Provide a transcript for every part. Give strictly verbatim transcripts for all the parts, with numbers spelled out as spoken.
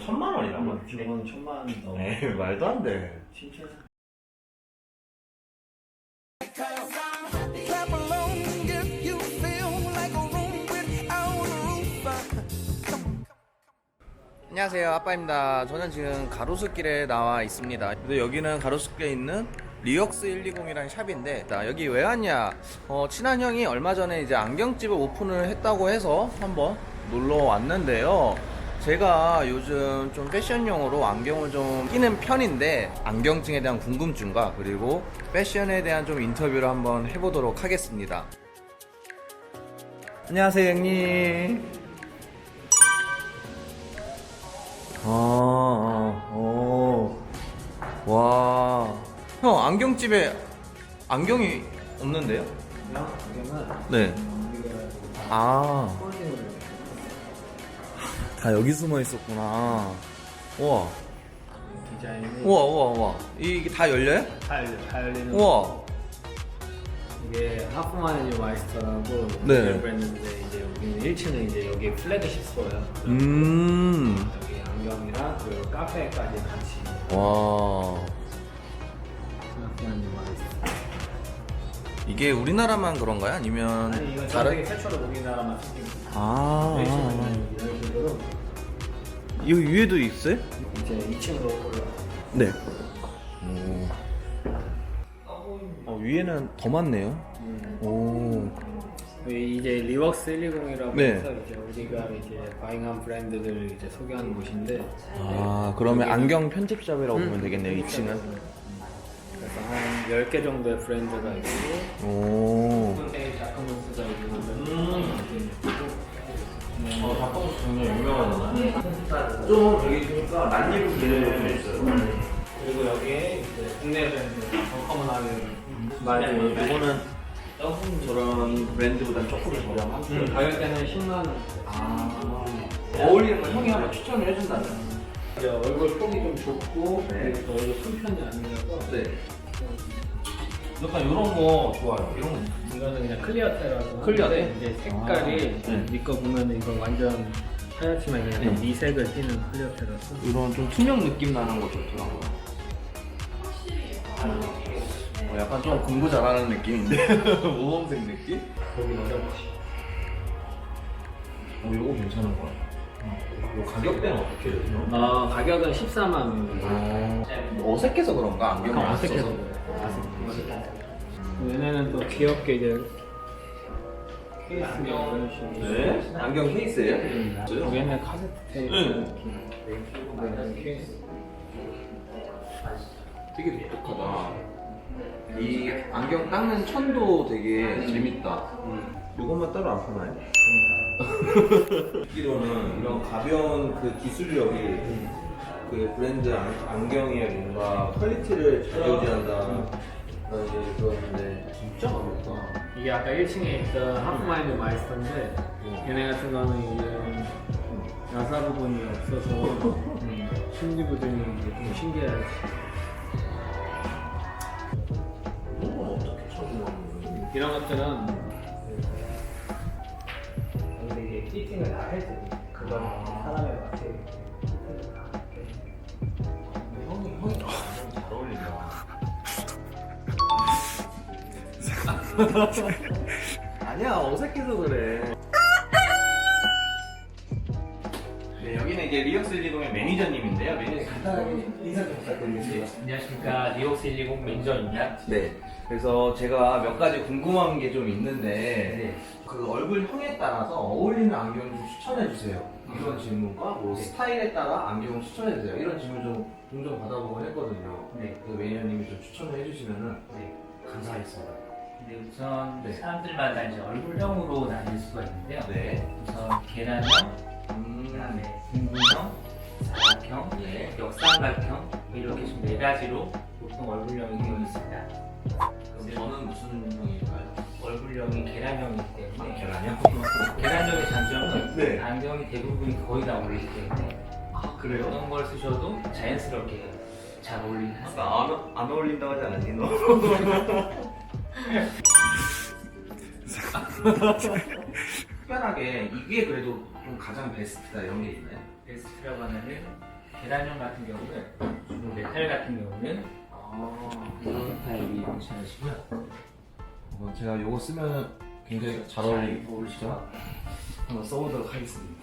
천만 원이라고? 기본 천만 원 넘어. 에이, 말도 안 돼. 진짜. 안녕하세요, 아빠입니다. 저는 지금 가로수길에 나와 있습니다. 근데 여기는 가로수길에 있는 리웍스 백이십이라는 샵인데, 나 여기 왜 왔냐? 어, 친한 형이 얼마 전에 이제 안경집을 오픈을 했다고 해서 한번 놀러 왔는데요. 제가 요즘 좀 패션용으로 안경을 좀 끼는 편인데, 안경증에 대한 궁금증과 그리고 패션에 대한 좀 인터뷰를 한번 해보도록 하겠습니다. 안녕하세요, 형님. 아, 어, 와. 형, 안경집에 안경이 없는데요? 그냥 안경은 네. 우리가 아, 폴딩을 다 여기 숨어 있었구나. 우와, 디자인이 우와, 우와, 우와. 이게 다 열려요? 다 열려, 다 열리는. 우와. 이게 하프마니즈 마이스터라고 네. 브랜드인데, 이제 여기는 일 층은 이제 여기 플래그십 스토어야. 음, 여기 안경이랑 그리고 카페까지 같이. 와. 하프마니즈 마이스터. 이게 우리나라만 그런가요? 아니면 아니, 이건 전 다른? 세계 최초로 우리나라만 생긴 거. 아, 일 층은 이런 식으로 여기 위에도 있어요? 이제 이 층으로 올라. 네. 어, 위에는 더 많네요. 음. 오. 이제 리웍스 백이십이라고 네. 해서 이제 우리가 이제 바잉한 브랜드들 이제 소개하는 곳인데. 아, 그러면 여기는- 안경 편집샵이라고 음. 보면 되겠네요, 이 층은. 그래서 한 열 개 정도의 브랜드가 있고, 오. 다크문스가 있고, 어, 닭봉 굉장히 유명하잖아. 좀 여기 보니까 란니로 되는 것도 있어요. 그리고 여기에 이제 국내 브랜드 더커먼하게 맞아요. 이거는 저런 브랜드보다 조금 저렴한. 음, 가격대는 십만 원. 아, 어울리는 거 형이 한번 추천을 해준다면. 이제 얼굴 폭이 좀 좁고, 네. 그리고 또 얼굴 큰 편이 아니라서. 네. 약간 이런 거 좋아요. 이런 거. 이거는 그냥 클리어 테라고. 클리어 하는데 테? 이제 색깔이 아, 네. 니거 보면 이거 완전 하얗지만 그냥 네. 미색을 띠는 클리어 테라서. 이런 좀 투명 느낌 나는 거 좋더라고요. 어, 약간 좀 공부 잘하는 느낌인데? 모범생 느낌? 보기 어렵지. 어, 이거 괜찮은 거 같아. 이 가격대는 어떻게 되죠? 아, 가격은 십사만 원입니다. 어, 어색해서 그런가? 안경을 안 어색해서 써서. 어색해서. 얘네는 또 귀엽게 이제 케이스가 이런 식으로. 네? 안경 케이스예요? 여기는 카세트 테이프 네. 느낌. 네, 케이스. 되게 독특하다. 이 안경 닦는 천도 되게 재밌다. 이것만 따로 안 파나요? 듣기로는 이런 가벼운 그 기술력이 그 브랜드 안, 안경의 뭔가 퀄리티를 좌지우지한다 라는 얘기 들었는데 진짜 가볍다. 이게 아까 일 층에 있던 하프마인드 마이스터인데, 얘네 같은 거는 이제 야사 부분이 없어서 음, 심지 부분이 이제 좀 신기하지. 이런 건 어떻게 처음 거예요? 이런 것들은 근데 이게 피팅을 다 해줘. 그거는 사람에 맞게. 형이 형이 잘 어울린다. 아니야, 어색해서 그래. 네, 여기는 이제 리역스 일이동의 매니저님인데요. 매니저님 간단하게 인사 좀 부탁드리겠습니다. 안녕하십니까, 리웍스 백이십 매니저입니다. 네. 그래서 제가 몇 가지 궁금한 게 좀 있는데, 그 얼굴형에 따라서 어울리는 안경 좀 추천해 주세요. 이런 질문과 뭐 스타일에 따라 안경을 추천해 주세요. 이런 질문 좀 종종 받아보곤 했거든요. 네. 그 매니저님이 좀 추천을 해주시면은 네. 감사하겠습니다. 네, 우선 네. 사람들마다 이제 얼굴형으로 나뉠 수가 있는데요. 네. 우선 계란형, 음. 그다음에 둥근형, 사각형, 네. 역삼각형 이렇게 좀 네 가지로 보통 얼굴형이 되어 있습니다. 그럼 저는 무슨 형일까요? 얼굴형이 계란형이기 때문에 계란형? 계란형의 장점은 네. 안경이 대부분이 거의 다 어울리기 때문에 아, 어떤 걸 쓰셔도 자연스럽게 잘 어울리는 아까 안, 안 어울린다고 하지 않았니 너? 특별하게 이게 그래도 좀 가장 베스트다 이런 게 있나요? 베스트라고 하면은 계란형 같은 경우는 주로 메탈 같은 경우는 아, 이런 타입이 괜찮으시고요. 어, 제가 요거 쓰면 굉장히 잘 어울리, 어울리시죠? 한번 써보도록 하겠습니다.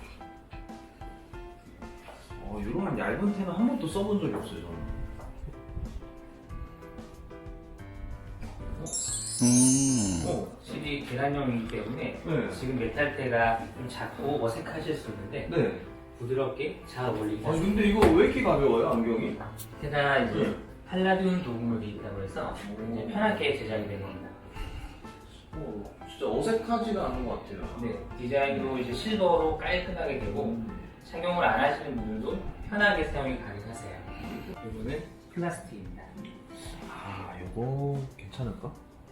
어, 이런 얇은 텐은 한 번도 써본 적이 없어요, 저는. 음. 어, 확실히 계란형이기 때문에 네. 지금 메탈테가 좀 작고 어색하실 수 있는데 네. 부드럽게 잘 어울리긴 아니, 하세요. 근데 이거 왜 이렇게 가벼워요, 안경이? 테가 이제 네. 팔라듐 도금으로 되어 있다고 해서 오. 이제 편하게 제작이 된 겁니다. 오, 진짜 어색하지가 않은 것 같아요. 네, 디자인도 이제 실버로 깔끔하게 되고 착용을 안 하시는 분들도 편하게 사용이 가능하세요. 이거는 플라스틱입니다. 아, 요거 괜찮을까?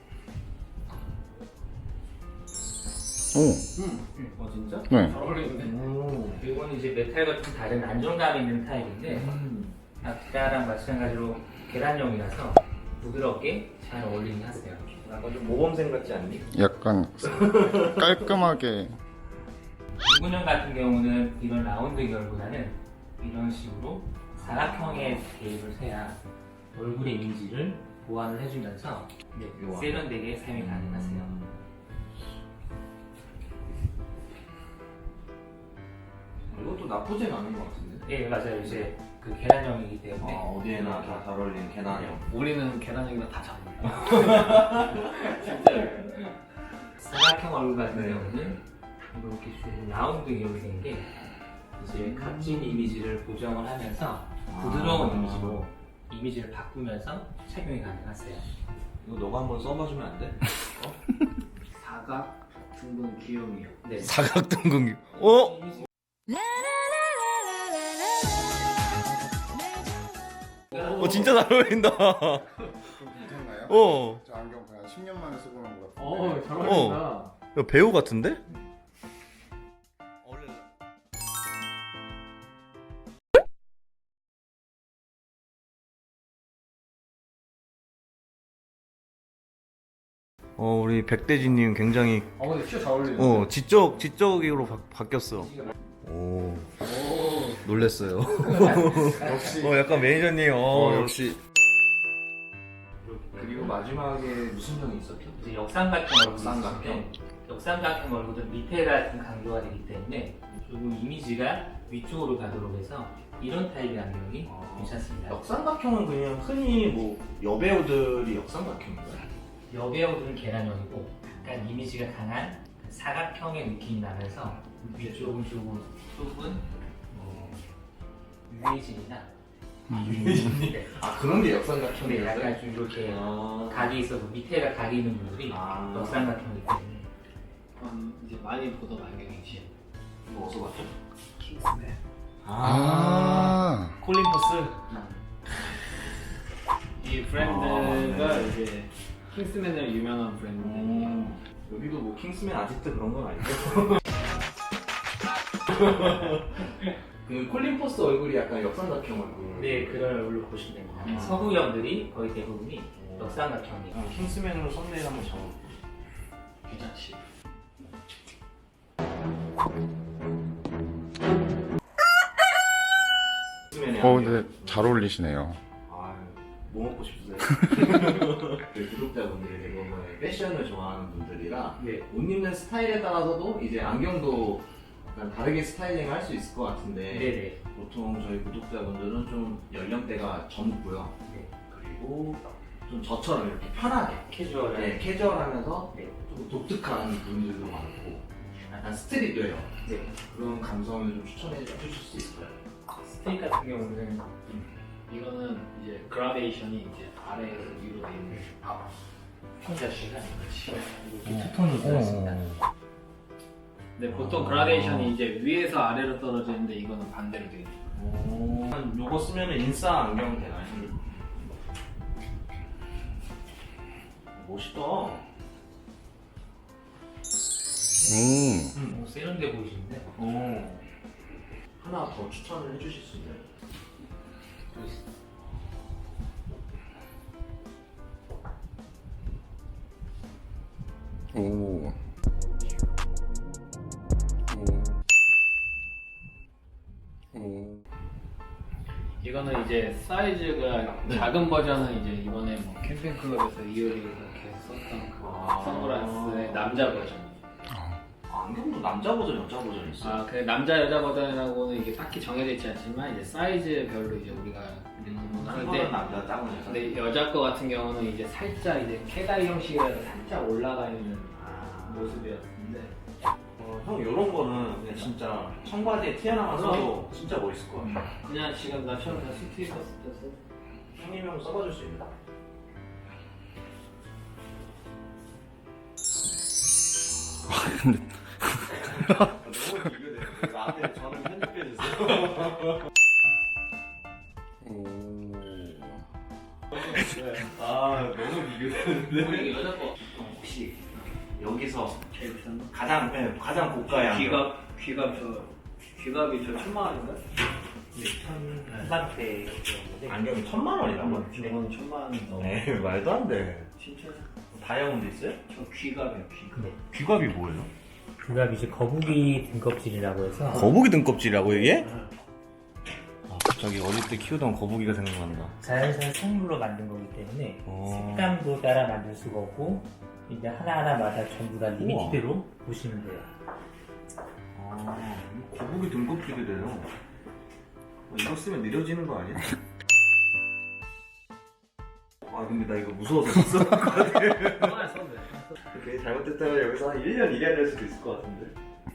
오. 어, 진짜? 네. 잘 어울리는데. 오. 이거는 이제 메탈과 좀 다른 안정감 있는 타입인데 음. 아까랑 마찬가지로 계란형이라서 부드럽게 잘 어울리긴 하세요. 약간 좀 모범생 같지 않니? 약간 깔끔하게. 유근형 같은 경우는 이런 라운드 결보다는 이런 식으로 사각형의 개입을 해야 얼굴의 이미지를 보완을 해주면서 네, 요아. 세련되게 사용이 가능하세요. 이것도 나쁘진 않은 것 같은데. 네 맞아요. 이제 그 계란형이기 아, 때문에 어디에나 다 잘 어울리는 계란형. 우리는 계란형이랑 다 잘 어울려. 사각형 얼굴 같은 네. 경우는 이렇게 좀 라운드 결이 된 게 이제 각진 이미지를 보정을 하면서 부드러운 아. 이미지로 이미지를 바꾸면서 착용이 가능하세요. 이거 너가 한번 써봐주면 안 돼? 사각 둥근 귀요미요. 네. 사각동공기. 어? 어 진짜 잘 어울린다. 괜찮나요? 어. 저 안경 그냥 십 년 만에 쓰고 온 것 같은데. 어, 잘 어울린다. 야, 배우 같은데? 어 우리 백대진님 굉장히 어, 근데 진짜 잘 어울리는데. 어 지적 지적으로 바, 바뀌었어. 오 오. 놀랬어요. 역시. 어 약간 매니저님 어, 어, 역시. 그리고 마지막에 무슨 형이 있었죠? 이제 역삼각형 얼굴 역삼각형. 있는데 역삼각형 얼굴은 밑에가 좀 강조가 되기 때문에 조금 이미지가 위쪽으로 가도록 해서 이런 타입의 안경이 아. 괜찮습니다. 역삼각형은 그냥 흔히 뭐 여배우들이 역삼각형인가요? 여배우들은 계란형이고 약간 이미지가 강한 그 사각형의 느낌이 나면서 위쪽은 조금 좁은 뭐 유해진이나 네. 아 그런 게 네, 역삼각형이었어요? 약간 좀 이렇게 아, 각이 있어서 밑에가 각이 있는 분들이 아. 역삼각형이기 때문에 음, 이제 많이 보던 안경이지. 이거 어디서 봤죠? 킹스맨. 아. 콜린 퍼스. 이 브랜드가 아, 네. 이제 킹스맨으로 유명한 브랜드인데. 음, 여기도 뭐 킹스맨 아지트 그런 건 아니죠? 그 콜린 퍼스 얼굴이 약간 역삼각형 얼굴. 네 그런 얼굴로 보시면 됩니다. 아. 서구형들이 거의 대부분이 역삼각형이에요. 아, 킹스맨으로 썸네일 한번 잡아볼게요. 괜찮지. 킹스맨의 어, 안경. 근데 잘 어울리시네요. 아, 뭐 먹고 싶으세요? 그 구독자분들이 대부분 패션을 좋아하는 분들이라 네. 옷 입는 스타일에 따라서도 이제 안경도 약간 다르게 스타일링 할 수 있을 것 같은데 네네. 보통 저희 구독자분들은 좀 연령대가 젊고요. 네. 그리고 좀 저처럼 이렇게 편하게 캐주얼한. 네, 캐주얼하면서 네. 조금 독특한 분들도 많고 약간 스트릿웨어 네. 그런 감성을 좀 추천해 주실 수 있을까요? 스테이 같은 경우는 이거는 이제 그라데이션이 이제 아래에서 위로 돼 있는. 아, 평자씨가 이렇게 어. 투톤으로 들어있습니다. 근데 보통 아. 그라데이션이 이제 위에서 아래로 떨어져 있는데 이거는 반대로 돼 있는. 오, 요거 쓰면 인싸 안경 되나요? 멋있다. 음. 오, 세련돼 보이시는데? 오. 하나 더 추천을 해주실 수 있나요? 오. 이거는 이제 사이즈가 네. 작은 버전은 이제 이번에 뭐 캠핑클럽에서 이효리가 이렇게 썼던 그 아. 선글라스의 남자 버전. 아, 안경도 남자 버전, 여자 버전 있어요. 아, 그 남자 여자 버전이라고는 이게 딱히 정해져 있지 않지만 이제 사이즈별로 이제 우리가 큰 하는데 거는 남자, 작은 여자. 근데 여자 거 같은 경우는 이제 살짝 이제 캐다이 형식이라서 살짝 올라가 있는 아. 모습이었는데 어, 형 이런 거는 그냥 진짜 청바지에 튀어나와서도 진짜 멋있을 것 같아. 그냥 지금 나 처음 다 스트 입었을 때 형님이 한번 써봐줄 수 있나? 너무 비교돼. 나한테 저는 편집해주세요. 오. 아 너무 비교되는데. 우리 여자 거 혹시 여기서 제일 비싼 거? 가장 네, 가장 고가의 안경. 귀갑 귀갑 저 귀갑이 저 천만 원인가? 천만대 안경이 천만 원이라고? 저건 천만 원 넘어. 네 말도 안 돼. 진짜 다이아몬드 있어요? 저 귀갑이야 귀갑. 네. 귀갑이 뭐예요? 그가 이제 거북이 등껍질이라고 해서 거북이 등껍질이라고 이게? 아, 갑자기 어릴 때 키우던 거북이가 생각난다. 자연산 생물로 만든 거기 때문에 어. 색감도 따라 만들 수가 없고 이제 하나하나마다 전부 다 리미티드로 보시면 돼요. 아, 거북이 등껍질이래요. 어, 이거 쓰면 느려지는 거 아니야? 아 근데 나 이거 무서워서 못 써볼 것 같아. 하나 써도 돼. 이렇게 잘못됐다면 여기서 한 일 년 일해야 될 수도 있을 것 같은데.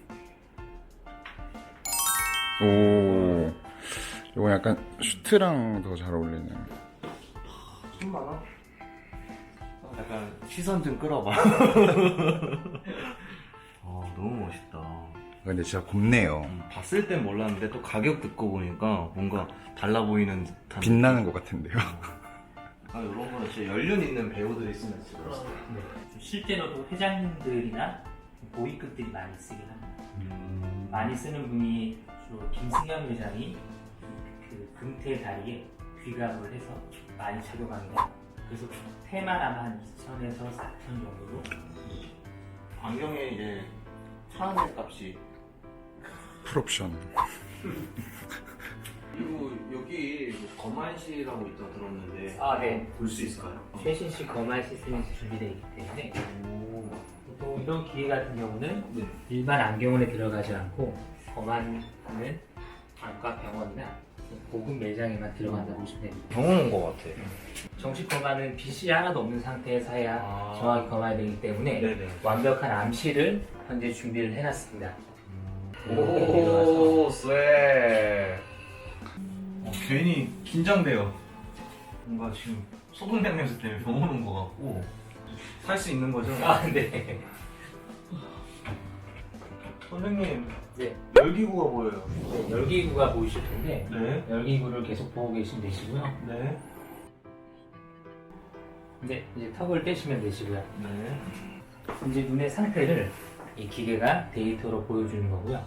오. 이거 약간 슈트랑 더 잘 어울리네. 천만 원? 약간 시선 좀 끌어봐. 아 너무 멋있다. 근데 진짜 곱네요. 음, 봤을 땐 몰랐는데 또 가격 듣고 보니까 뭔가 달라 보이는 듯한. 빛나는 것 같은데요. 아 이런 거는 진짜 연륜 있는 배우들이 쓰면 진짜 멋있어. 네. 실제로도 회장님들이나 고위급들이 많이 쓰긴 합니다. 음. 많이 쓰는 분이 주로 김승현 회장이 그 금태 다리에 귀갑을 해서 많이 착용합니다. 그래서 테만 아마 한 이천에서 사천 정도로. 안경에 이제 차안의 값이. 풀옵션. 그리고 여기 뭐 거만시라고 있다 들었는데. 아, 네. 볼 수 있을까요? 최신식 거말 시스템이 준비되어 있기 때문에 또 이런 기계 같은 경우는 네. 일반 안경원에 들어가지 않고 거만은 안과 병원이나 고급 매장에만 들어간다고 보시면 됩니다. 병원 온 것 같아. 정식 거만은 빛이 하나도 없는 상태에서 해야 아. 정확히 거만이 되기 때문에 네네. 완벽한 암시를 현재 준비를 해놨습니다. 오, 쎄. 어, 괜히 긴장돼요. 뭔가 지금 소금장 냄새 때문에 병원 온 것 같고. 살 수 있는 거죠? 아, 네. 선생님, 네. 열기구가 보여요. 네, 열기구가 보이실 텐데 네. 열기구를 계속 보고 계시면 되시고요. 네. 네, 이제 턱을 떼시면 되시고요. 네. 이제 눈의 상태를 이 기계가 데이터로 보여주는 거고요.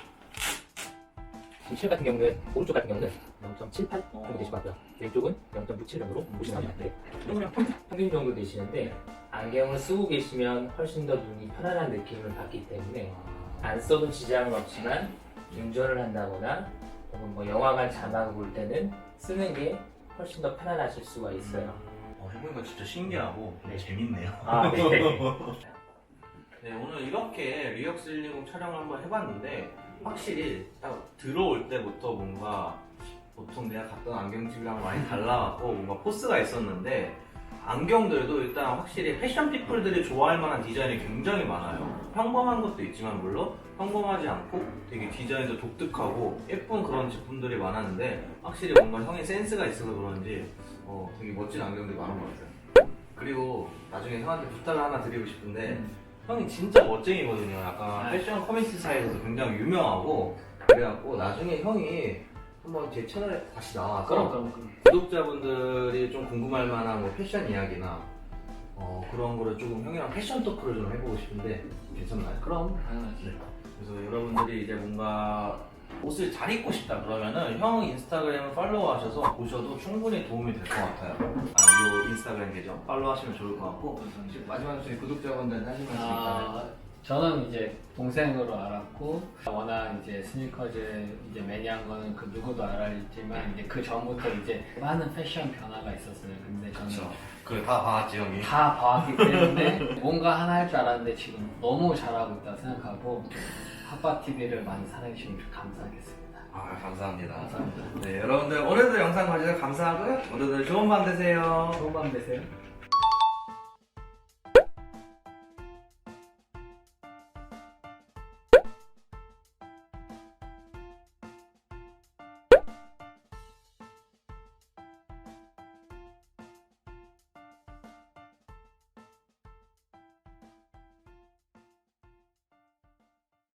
지금 실 같은 경우는 오른쪽 같은 경우는 영 점 칠팔 정도 되실 것 같고요. 왼쪽은 영 점 육칠 정도로 보시면 됩니다. 그냥 평균 정도 되시는데 안경을 쓰고 계시면 훨씬 더 눈이 편안한 느낌을 받기 때문에 안 써도 지장은 없지만 운전을 한다거나 혹은 뭐 영화관 자막을 볼 때는 쓰는 게 훨씬 더 편안하실 수가 있어요. 어, 해보니까 진짜 신기하고 네. 재밌네요. 아, 네. 네, 오늘 이렇게 리역스 일이공 촬영을 한번 해봤는데 확실히 딱 들어올 때부터 뭔가 보통 내가 갔던 안경집이랑 많이 달라갖고 뭔가 포스가 있었는데 안경들도 일단 확실히 패션 피플들이 좋아할 만한 디자인이 굉장히 많아요. 평범한 것도 있지만 물론 평범하지 않고 되게 디자인도 독특하고 예쁜 그런 제품들이 많았는데 확실히 뭔가 형의 센스가 있어서 그런지 어, 되게 멋진 안경들이 많은 것 같아요. 그리고 나중에 형한테 부탁을 하나 드리고 싶은데 형이 진짜 멋쟁이거든요. 약간 패션 커뮤니티 사이에서도 굉장히 유명하고 그래갖고 나중에 형이 한번 제 채널에 다시 나와서 그럼 그럼 그럼. 구독자분들이 좀 궁금할 만한 뭐 패션 이야기나 어, 그런 거를 조금 형이랑 패션 토크를 좀 해보고 싶은데 괜찮나요? 그럼 당연하지. 그래서 여러분들이 이제 뭔가 옷을 잘 입고 싶다 그러면은 형 인스타그램을 팔로우하셔서 보셔도 충분히 도움이 될 것 같아요. 아, 요 인스타그램 계정 팔로우하시면 좋을 것 같고 지금 마지막으로 저희 구독자분들한테 하실 말씀 있다면 아, 저는 이제 동생으로 알았고 워낙 이제 스니커즈 이제 매니아한 거는 그 누구도 알았지만 이제 그 전부터 이제 많은 패션 변화가 있었어요. 근데 저는 그렇죠. 그다 봐왔지 형이. 다 봐왔기 때문에 뭔가 하나 할 줄 알았는데 지금 너무 잘하고 있다고 생각하고 핫바티비를 많이 사랑해주시면 감사하겠습니다. 아 감사합니다. 감사합니다. 네 여러분들 오늘도 영상 봐주셔서 감사하고요. 오늘도 좋은 밤 되세요. 좋은 밤 되세요.